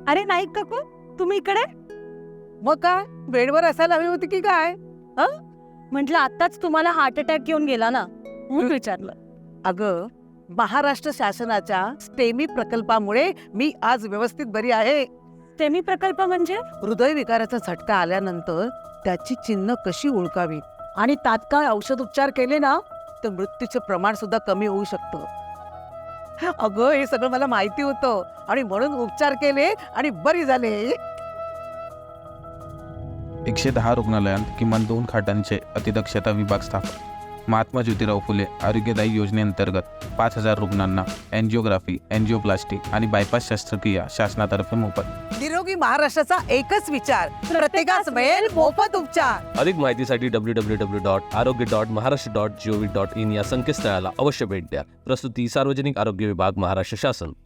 अरे नाही काकू, तुम्ही इकडे? मग काय बेडवर असायला हवी होती की काय? म्हटलं आताच तुम्हाला हार्ट अटॅक येऊन गेला ना, म्हणून विचारलं. अगं, महाराष्ट्र शासनाच्या स्टेमी प्रकल्पामुळे मी आज व्यवस्थित बरी आहे. स्टेमी प्रकल्प म्हणजे? हृदयविकाराचा झटका आल्यानंतर त्याची चिन्ह कशी ओळखावी आणि तात्काळ औषधोपचार केले ना तर मृत्यूचे प्रमाण सुद्धा कमी होऊ शकतं. अगं, हे सगळं मला माहिती होतं आणि म्हणून उपचार केले आणि बरी झाले. 110 रुग्णालयांत किमान 2 खाटांचे अतिदक्षता विभाग स्थापन. महात्मा ज्योतिराव फुले आरोग्यदायी योजनेअंतर्गत 5,000 रुग्णांना एन्जिओग्राफी, एन्जिओप्लास्टी आणि बायपास शस्त्रक्रिया शासनातर्फे मोफत. निरोगी महाराष्ट्राचा एकच विचार, प्रत्येकास मिळेल मोफत उपचार. अधिक माहितीसाठी www.arogya.maharashtra.gov.in या संकेतस्थळाला अवश्य भेट द्या. प्रस्तुती सार्वजनिक आरोग्य विभाग, महाराष्ट्र शासन.